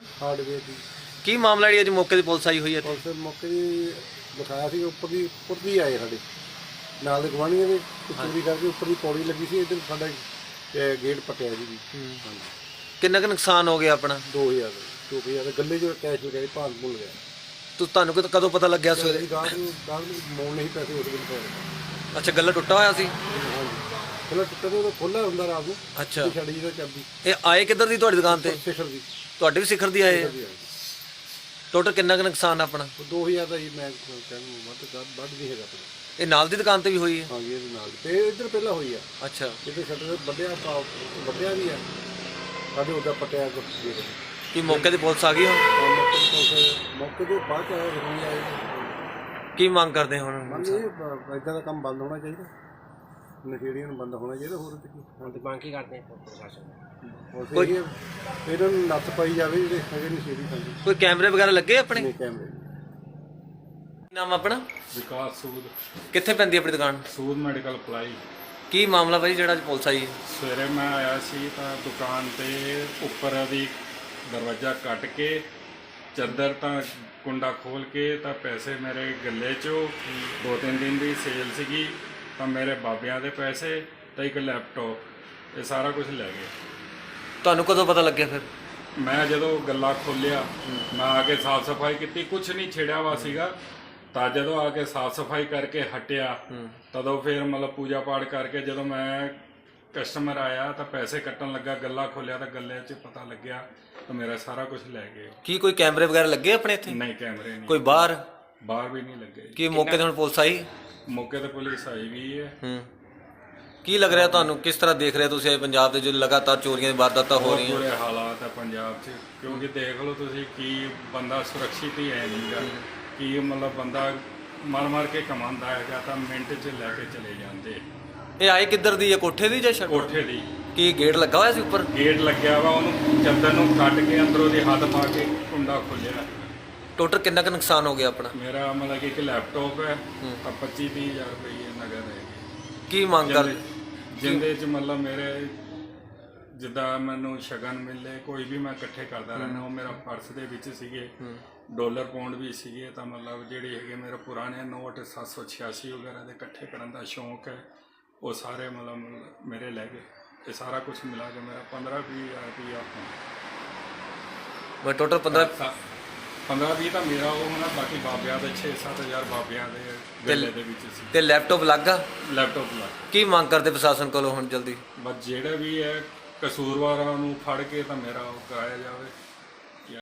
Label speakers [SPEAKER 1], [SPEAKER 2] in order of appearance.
[SPEAKER 1] ਹਾਰਡਵੇयर ਦੀ।
[SPEAKER 2] ਕੀ ਮਾਮਲਾ ਜਿਹੜੀ ਅੱਜ ਮੌਕੇ ਦੀ ਪੁਲਿਸ ਆਈ ਹੋਈ ਹੈ ਇੱਥੇ?
[SPEAKER 1] ਪੁਲਿਸ ਮੌਕੇ ਦੀ ਦਿਖਾਇਆ ਸੀ, ਉੱਪਰ ਦੀ ਆਏ ਸਾਡੇ ਨਾਲ ਦੇ ਗਵਾਂਢੀਆਂ ਦੇ ਚੋਰੀ ਕਰਕੇ ਉੱਪਰ ਦੀ ਪੌੜੀ ਲੱਗੀ ਸੀ। ਇੱਧਰ ਸਾਡਾ ਗੇਟ ਪਟਿਆ ਜੀ। ਹਾਂਜੀ।
[SPEAKER 2] ਕਿੰਨਾ ਕੁ ਨੁਕਸਾਨ ਹੋ ਗਿਆ ਆਪਣਾ?
[SPEAKER 1] 2000 ਗੱਲੇ 'ਚ ਕੈਸ਼ ਲਗਾਏ, ਭਾਗ ਭੁੱਲ ਗਿਆ।
[SPEAKER 2] ਤੁਹਾਨੂੰ ਕਦੋਂ ਪਤਾ ਲੱਗਿਆ ਸਵੇਰੇ?
[SPEAKER 1] ਗਾਹਕ ਨੂੰ ਮੋੜ ਨਹੀਂ ਪੈਸੇ ਉਸ ਵੇਲੇ ਪਏ।
[SPEAKER 2] ਅੱਛਾ, ਗੱਲਾ ਟੁੱਟਾ ਹੋਇਆ ਸੀ?
[SPEAKER 1] ਹਾਂਜੀ, ਗੱਲਾ ਟੁੱਟਾ ਤੇ ਉਹ ਖੋਲ੍ਹਾ ਹੁੰਦਾ ਰਾਤ ਨੂੰ।
[SPEAKER 2] ਅੱਛਾ,
[SPEAKER 1] ਛੱਡੀ ਜਿਹਦਾ ਚਾਬੀ।
[SPEAKER 2] ਇਹ ਆਏ ਕਿੱਧਰ ਦੀ ਤੁਹਾਡੀ ਦੁਕਾਨ ਤੇ?
[SPEAKER 1] ਸਿਖਰ ਦੀ।
[SPEAKER 2] ਤੁਹਾਡੇ ਵੀ ਸਿਖਰ ਦੀ ਆਏ? ਟੋਟਲ ਕਿੰਨਾ ਕੁ ਨੁਕਸਾਨ ਆਪਣਾ?
[SPEAKER 1] 2000 ਦਾ ਹੀ ਮੈਂ ਕਹਿੰਦਾ ਵੱਧ ਨਹੀਂ ਹੈਗਾ ਆਪਣਾ।
[SPEAKER 2] ਇਹ ਨਾਲ ਦੀ ਦੁਕਾਨ ਤੇ ਵੀ ਹੋਈ ਹੈ?
[SPEAKER 1] ਹਾਂਜੀ, ਇਹਦੇ ਨਾਲ ਤੇ ਇੱਧਰ ਪਹਿਲਾਂ ਹੋਈ ਆ।
[SPEAKER 2] ਅੱਛਾ,
[SPEAKER 1] ਜਿੱਥੇ ਸ਼ਟਰ ਵੱਡਿਆ ਵੀ ਆ ਸਾਡੇ ਉਹਦਾ ਪਟਿਆ ਕੁਛ।
[SPEAKER 2] ਕੀ ਮੌਕੇ ਤੇ ਪੁਲਿਸ ਆ ਗਈ ਹੁਣ?
[SPEAKER 1] ਮੌਕੇ ਤੋਂ ਬਾਅਦ ਆਇਆ ਜ਼ਰੂਰੀ ਆਏ।
[SPEAKER 2] ਕੀ ਮੰਗ ਕਰਦੇ ਹੁਣ?
[SPEAKER 1] ਇਦਾਂ ਦਾ ਕੰਮ ਬੰਦ ਹੋਣਾ ਚਾਹੀਦਾ, ਨਸ਼ੇੜੀਆਂ ਨੂੰ ਬੰਦ ਹੋਣਾ ਚਾਹੀਦਾ। ਹੋਰ
[SPEAKER 3] ਹੁਣ ਤੇ ਮੰਗ ਕੀ ਕਰਦੇ ਆ ਪ੍ਰਸ਼ਾਸਨ?
[SPEAKER 1] ਕੋਈ ਇਹਨਾਂ ਨੂੰ ਨੱਥ ਪਾਈ ਜਾਵੇ ਜਿਹੜੇ ਹੈਗੇ ਨਸ਼ੇੜੀ ਖਾਂਦੇ।
[SPEAKER 2] ਕੋਈ ਕੈਮਰੇ ਵਗੈਰਾ ਲੱਗੇ ਆਪਣੇ?
[SPEAKER 1] ਨਹੀਂ ਕੈਮਰੇ।
[SPEAKER 2] ਨਾਮ ਆਪਣਾ?
[SPEAKER 4] ਵਿਕਾਸ ਸੂਦ।
[SPEAKER 2] ਕਿੱਥੇ ਪੈਂਦੀ ਆਪਣੀ ਦੁਕਾਨ?
[SPEAKER 4] Sood medical apply.
[SPEAKER 2] ਕੀ ਮਾਮਲਾ ਭਾਈ ਜਿਹੜਾ ਅੱਜ ਪੁਲਿਸ ਆਈ?
[SPEAKER 4] ਸਵੇਰੇ ਮੈਂ ਆਇਆ ਸੀ ਤਾਂ ਦੁਕਾਨ ਤੇ ਉੱਪਰ ਦੀ ਦਰਵਾਜ਼ਾ ਕੱਟ ਕੇ ਚੱਦਰ ਤਾਂ ਕੁੰਡਾ ਖੋਲ ਕੇ ਤਾਂ ਪੈਸੇ ਮੇਰੇ ਗੱਲੇ 'ਚੋਂ 2-3 ਦਿਨ ਦੀ ਸੇਲ ਸੀਗੀ ਤਾਂ ਮੇਰੇ ਬਾਬਿਆਂ ਦੇ ਪੈਸੇ ਤਾਂ ਇੱਕ ਲੈਪਟਾਪ, ਇਹ ਸਾਰਾ ਕੁਝ ਲੈ ਗਏ।
[SPEAKER 2] ਤੁਹਾਨੂੰ ਕਦੋਂ ਪਤਾ ਲੱਗਿਆ ਫਿਰ?
[SPEAKER 4] ਮੈਂ ਜਦੋਂ ਗੱਲਾ ਖੋਲ੍ਹਿਆ ਮੈਂ ਆ ਕੇ ਸਾਫ਼ ਸਫਾਈ ਕੀਤੀ, ਕੁਝ ਨਹੀਂ ਛੇੜਿਆ ਵਾ ਸੀਗਾ। ਤਾਂ ਜਦੋਂ ਆ ਕੇ ਸਾਫ਼ ਸਫਾਈ ਕਰਕੇ ਹਟਿਆ ਤਦੋਂ ਫਿਰ ਮਤਲਬ ਪੂਜਾ ਪਾਠ ਕਰਕੇ ਜਦੋਂ ਮੈਂ ਕਸਟਮਰ ਆਇਆ ਤਾਂ ਪੈਸੇ ਕੱਟਣ ਲੱਗਾ, ਗੱਲਾ ਖੋਲ੍ਹਿਆ ਤਾਂ ਗੱਲੇ 'ਚ ਪਤਾ ਲੱਗਿਆ ਤਾਂ ਮੇਰਾ ਸਾਰਾ ਕੁਝ ਲੈ ਗਏ।
[SPEAKER 2] ਕੀ ਕੋਈ ਕੈਮਰੇ ਵਗੈਰਾ ਲੱਗੇ ਆਪਣੇ ਇੱਥੇ?
[SPEAKER 4] ਨਹੀਂ, ਕੈਮਰੇ ਨਹੀਂ।
[SPEAKER 2] ਕੋਈ ਬਾਹਰ
[SPEAKER 4] ਵੀ ਨਹੀਂ ਲੱਗੇ।
[SPEAKER 2] ਕੀ ਮੌਕੇ ਤੇ ਹੁਣ ਪੁਲਿਸ ਆਈ?
[SPEAKER 4] ਮੌਕੇ ਤੇ ਪੁਲਿਸ ਆਈ ਵੀ ਹੈ।
[SPEAKER 2] ਕੀ ਲੱਗ ਰਿਹਾ ਤੁਹਾਨੂੰ, ਕਿਸ ਤਰ੍ਹਾਂ ਦੇਖ ਰਹੇ ਤੁਸੀਂ ਪੰਜਾਬ ਦੇ ਜੋ ਲਗਾਤਾਰ ਚੋਰੀਆਂ ਦੀ ਵਾਰਦਾਤਾਂ ਹੋ ਰਹੀਆਂ?
[SPEAKER 4] ਬੁਰੇ ਹਾਲਾਤ ਹੈ ਪੰਜਾਬ 'ਚ, ਕਿਉਂਕਿ ਦੇਖ ਲਓ ਤੁਸੀਂ ਕੀ ਬੰਦਾ ਸੁਰੱਖਿਅਤ ਹੀ ਹੈ ਨਹੀਂਗਾ। ਕੀ ਮਤਲਬ ਬੰਦਾ ਮਰ ਕੇ ਕਮਾਉਂਦਾ ਹੈਗਾ ਤਾਂ ਮਿੰਟ 'ਚ ਲੈ ਕੇ ਚਲੇ ਜਾਂਦੇ।
[SPEAKER 2] ਇਹ ਆਏ ਕਿੱਧਰ ਦੀ ਹੈ, ਕੋਠੇ ਦੀ ਜਾਂ ਛੱਤ?
[SPEAKER 4] ਕੋਠੇ ਦੀ।
[SPEAKER 2] ਕੀ ਗੇਟ ਲੱਗਾ ਹੋਇਆ ਸੀ ਉੱਪਰ?
[SPEAKER 4] ਗੇਟ ਲੱਗਿਆ ਵਾ, ਉਹਨੂੰ ਚੱਦਰ ਨੂੰ ਕੱਟ ਕੇ ਅੰਦਰੋਂ ਦੀ ਹੱਥ ਪਾ ਕੇ ਕੁੰਡਾ ਖੋਲ੍ਹਿਆ।
[SPEAKER 2] ਟੋਟਲ ਕਿੰਨਾ ਕੁ ਨੁਕਸਾਨ ਹੋ ਗਿਆ ਆਪਣਾ?
[SPEAKER 4] ਮੇਰਾ ਮਤਲਬ ਕਿ ਇੱਕ ਲੈਪਟਾਪ ਹੈ ਤਾਂ 25-30 ਹਜ਼ਾਰ ਰੁਪਏ ਨਗਦ ਹੈਗੇ।
[SPEAKER 2] ਕੀ ਮੰਗ ਕਰ?
[SPEAKER 4] ਜਿੰਦੇ 'ਚ ਮਤਲਬ ਮੇਰੇ ਜਿੱਦਾਂ ਮੈਨੂੰ ਸ਼ਗਨ ਮਿਲੇ ਕੋਈ ਵੀ ਮੈਂ ਇਕੱਠੇ ਕਰਦਾ ਰਹਿਣਾ। ਉਹ ਮੇਰਾ ਪਰਸ ਦੇ ਵਿੱਚ ਸੀਗੇ, ਡਾਲਰ ਪਾਉਂਡ ਵੀ ਸੀਗੇ ਤਾਂ ਮਤਲਬ ਜਿਹੜੇ ਹੈਗੇ ਮੇਰੇ ਪੁਰਾਣੇ ਨੋਟ 786 ਵਗੈਰਾ ਦੇ ਇਕੱਠੇ ਕਰਨ ਦਾ ਸ਼ੌਂਕ ਹੈ, ਉਹ ਸਾਰੇ ਮਤਲਬ ਮੇਰੇ ਲੈ ਗਏ। ਇਹ ਸਾਰਾ ਕੁਝ ਮਿਲਾ ਕੇ ਮੇਰਾ 15-20 ਹਜ਼ਾਰ ਰੁਪਇਆ
[SPEAKER 2] ਮੈਂ ਟੋਟਲ
[SPEAKER 4] 15-20 ਤਾਂ ਮੇਰਾ ਉਹ ਹੋਣਾ, ਬਾਕੀ ਬਾਬਿਆਂ ਦੇ 6-7 ਹਜ਼ਾਰ ਬਾਬਿਆਂ ਦੇ ਗੱਲੇ ਦੇ ਵਿੱਚ ਸੀ।
[SPEAKER 2] ਤੇ ਲੈਪਟਾਪ ਲੱਗਾ?
[SPEAKER 4] ਲੈਪਟਾਪ ਲੱਗ।
[SPEAKER 2] ਕੀ ਮੰਗ ਕਰਦੇ ਪ੍ਰਸ਼ਾਸਨ ਕੋਲੋਂ ਹੁਣ ਜਲਦੀ?
[SPEAKER 4] ਬਸ ਜਿਹੜਾ ਵੀ ਹੈ ਕਸੂਰਵਾਰਾਂ ਨੂੰ ਫੜ ਕੇ ਤਾਂ ਮੇਰਾ ਉਹ ਕਰਾਇਆ ਜਾਵੇ।